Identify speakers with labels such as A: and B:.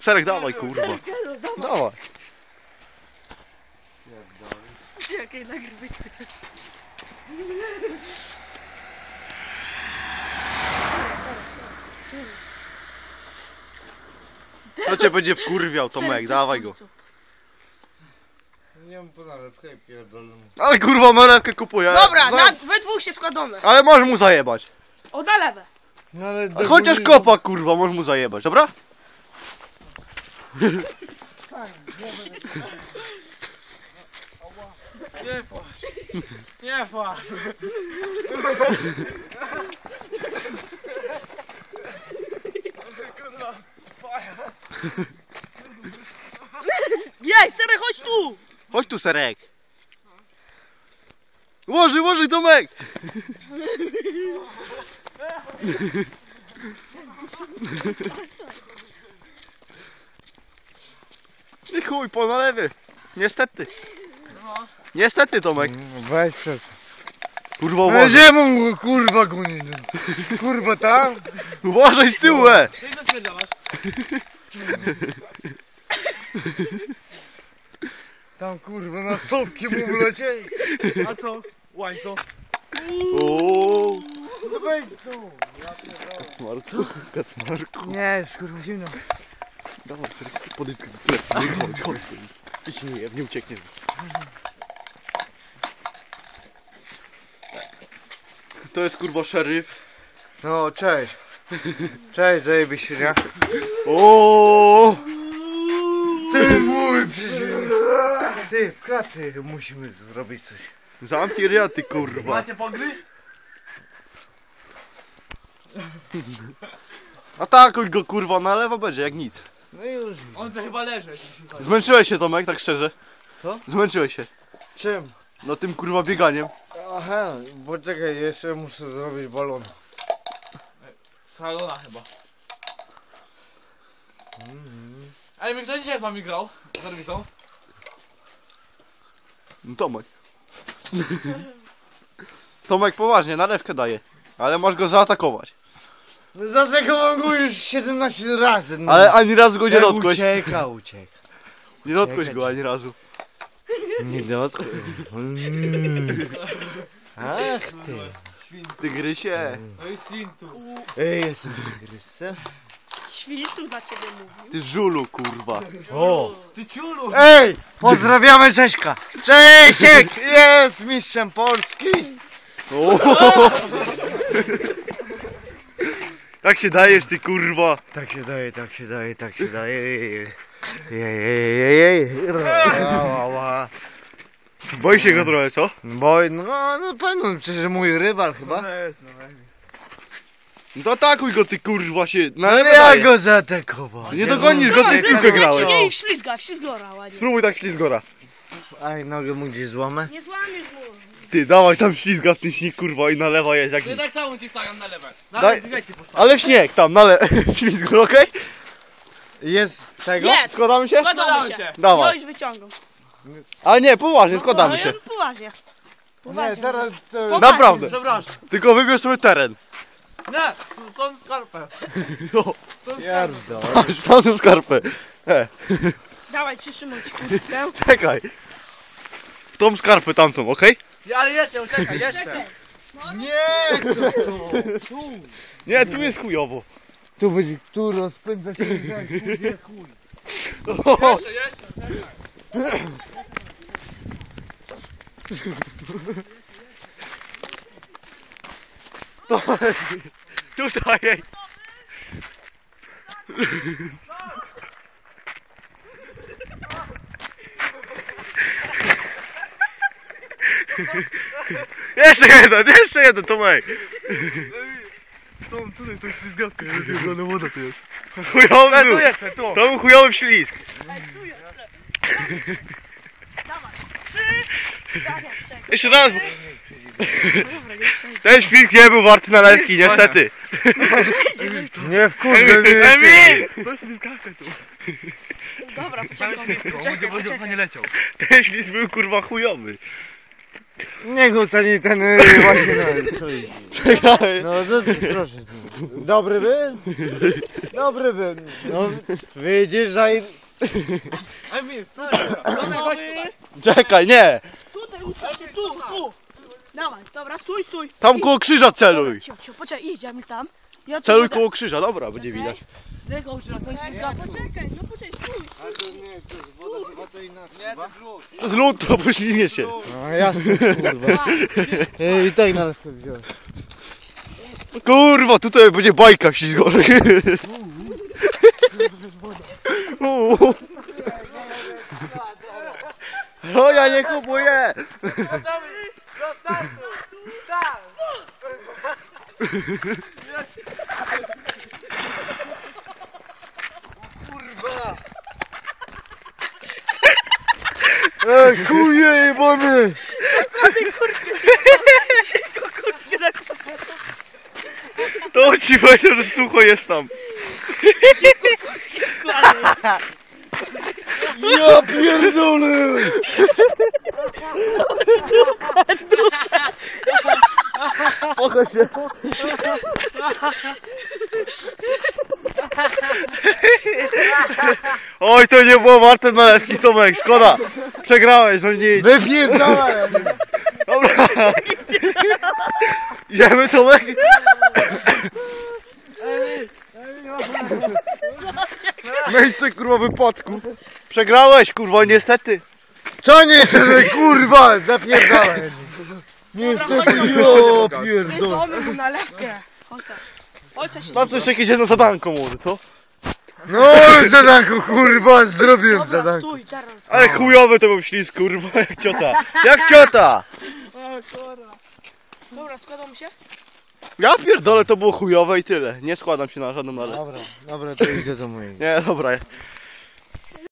A: Serek, dawaj, kurwa. Dawaj.
B: Czekaj, nagrywaj też.
A: Co cię będzie wkurwiał, Tomek, dawaj go.
C: Nie mam po nalewkę i pierdolę.
A: Ale kurwa, nalewkę kupuję.
B: Dobra, we dwóch się składamy.
A: Ale możesz mu zajebać.
B: O, na lewe.
C: No ale
A: Chociaż kopa, kurwa, możesz mu zajebać, dobra?
D: Nie płacz. Nie płacz.
B: Jej, Serek, chodź tu.
A: Chodź tu, Serek. Łoży, Tomek. I chuj, po nalewy. Niestety. Niestety, Tomek.
C: Weź przez.
A: Kurwa, uważaj.
C: Gdzie mu kurwa goni? Kurwa tam?
A: Uważaj z tyłu,
D: Ty co spierdalasz?
C: Tam kurwa na stopki mu wlecieli.
D: A co? Łańco.
A: Ooo.
C: No weź tu.
A: Kacmarku.
C: Nie, kurwa zimno.
A: Dawaj, Serek, podejdź do telefonu. Chodź. Ty się nie uciekniesz. To jest kurwa szeryf.
C: No cześć. Cześć, zajebiście, nie?
A: Ooo.
C: Ty mój przecież. Ty, w klatce musimy zrobić coś.
A: Zamknij ryja, ty kurwa.
D: Macie pogryź?
A: Atakuj go, kurwa, na lewo będzie jak nic.
C: No już.
D: On co chyba leży.
A: Zmęczyłeś się, Tomek, tak szczerze?
C: Co?
A: Zmęczyłeś się.
C: Czym?
A: No tym kurwa bieganiem.
C: Aha, bo czekaj, jeszcze muszę zrobić balon.
D: Salona chyba. Ej, my kto dzisiaj z wami grał? Z serwisą?
A: No, Tomek. Tomek poważnie, nalewkę daje. Ale masz go zaatakować.
C: Zaatakowałem go już 17 razy. No.
A: Ale ani razu go nie dotkłeś.
C: Ucieka.
A: Nie dotkłeś go ani razu.
C: Nie dotknął. Ach ty.
A: Tygrysie.
D: No i Sintu.
C: Ej, jestem tygrysem.
B: Świstu na ciebie mówi.
A: Ty żulu, kurwa.
C: O.
D: Ty ciulu!
C: Ej, pozdrawiamy Cześka. Czesiek jest mistrzem Polski.
A: O. Tak się dajesz, ty kurwa.
C: Tak się daje, tak się daje, tak się daje. Jej.
A: Boi się go trochę, co?
C: Bo no pewno, przecież mój rywal chyba.
A: No to atakuj go, ty kurwa się. Na
C: Ale
A: lewo
C: ja
A: daje.
C: go zaatakował.
A: Nie dogonisz go, ty w piłkę grałeś.
B: Nie, ślizgora ładnie.
A: Spróbuj tak ślizgora.
C: Aj, nogę mu gdzieś złamę.
B: Nie złamiesz go.
A: Ty, dawaj tam ślizga w ten śnieg, kurwa, i na lewo jest jak
D: Ty
A: nic.
D: tak samo ci stawiam na lewe.
A: Daj-
D: Nawet dwie ci postawiam.
A: Ale w śnieg tam, ślizgor, okej?
C: Jest tego?
B: Jest.
A: Składamy się?
B: Składamy się.
A: Dawaj.
B: No już wyciągam.
A: Ale nie, poważnie, składamy
B: No,
A: się.
B: ja poważnie.
C: Nie,
B: Poważnie.
C: teraz to...
B: Poważnie.
A: Naprawdę.
D: Przepraszam.
A: Tylko wybierz sobie teren.
D: Nie, tą skarpę.
A: No,
D: Tą skarpę.
C: Pierdol.
A: patrz, tam są skarpy.
B: Dawaj, przytrzymaj ci kurtkę.
A: Czekaj. W tą skarpę tamtą, okej?
D: Ale jeszcze, czekaj, jeszcze.
C: Nie, to.
A: Nie, tu jest chujowo.
C: Tu będzie, tu rozpędza się jak chuj.
A: O,
D: Jeszcze.
A: tutaj. Jeszcze jeden, Tomek.
C: Tam, tutaj, to ślizgawka, ale woda to jest.
A: Chujowy
D: Tu
A: był.
D: jeszcze, tu.
A: To był chujowy ślizg.
B: Dawaj. 3. Dawaj, czekaj.
A: Jeszcze raz.
B: Dobra, nie przejdzie.
A: Ten ślizg nie był warty nalewki, niestety.
C: Nie wkurwę
A: Emil!
D: To ślizgawka tu.
B: Dobra,
D: Cały
B: poczekaj.
D: ślizgą, będzie nie leciał.
A: Ten ślizg był kurwa chujowy.
C: Nie oceni ten właśnie
A: Przegrałeś.
C: no to, proszę. Dobry był? Dobry był. No widzisz, że
D: Emil, Tomek, chodź tutaj.
A: Czekaj, nie.
B: Tutaj uczysz się, tu. Dawaj, dobra, stój.
A: Tam koło krzyża celuj.
B: Cicho, poczekaj, idź, ja mi tam. Ja tu
A: Celuj
B: będę-
A: koło krzyża, dobra, będzie widać.
B: Ręką uczysz, to jest zgadza. Poczekaj, stój.
C: A to nie, to jest woda, chyba to inaczej.
D: Nie, to jest lód.
A: To z lód, to poślizgnie się.
C: No jasne, kurwa. I tak na lewkę wziąłem.
A: Kurwa, tutaj będzie bajka ślizgorek. O, ja nie kupuję.
C: Kuje jebany!
A: To ci powiedział, że sucho jest tam.
C: Ja pierdolę!
A: Pokaż się. Oj, to nie było warte nalewki, Tomek, szkoda. Przegrałeś, no nic.
C: Wypierdolę!
A: Dobra. Idziemy, Tomek? Miejsce, kurwa, wypadku. Przegrałeś, kurwa, niestety.
C: Co nie chcę, kurwa! Zapierdolę! Niestety, ja pierdolę!
B: Mamy mu nalewkę. Chodź,
A: To coś jakieś jedno zadanko może, co?
C: No zadanku, kurwa, zrobiłem
B: Dobra,
C: zadanku.
B: stój, teraz.
A: Ale chujowy to był ślizg, kurwa, jak ciota. Jak ciota!
B: O, kurwa. Dobra, składam się?
A: Ja pierdolę, to było chujowe i tyle. Nie składam się na żadną nalewkę.
C: Dobra, to idzie do mojej.
A: Nie, dobra.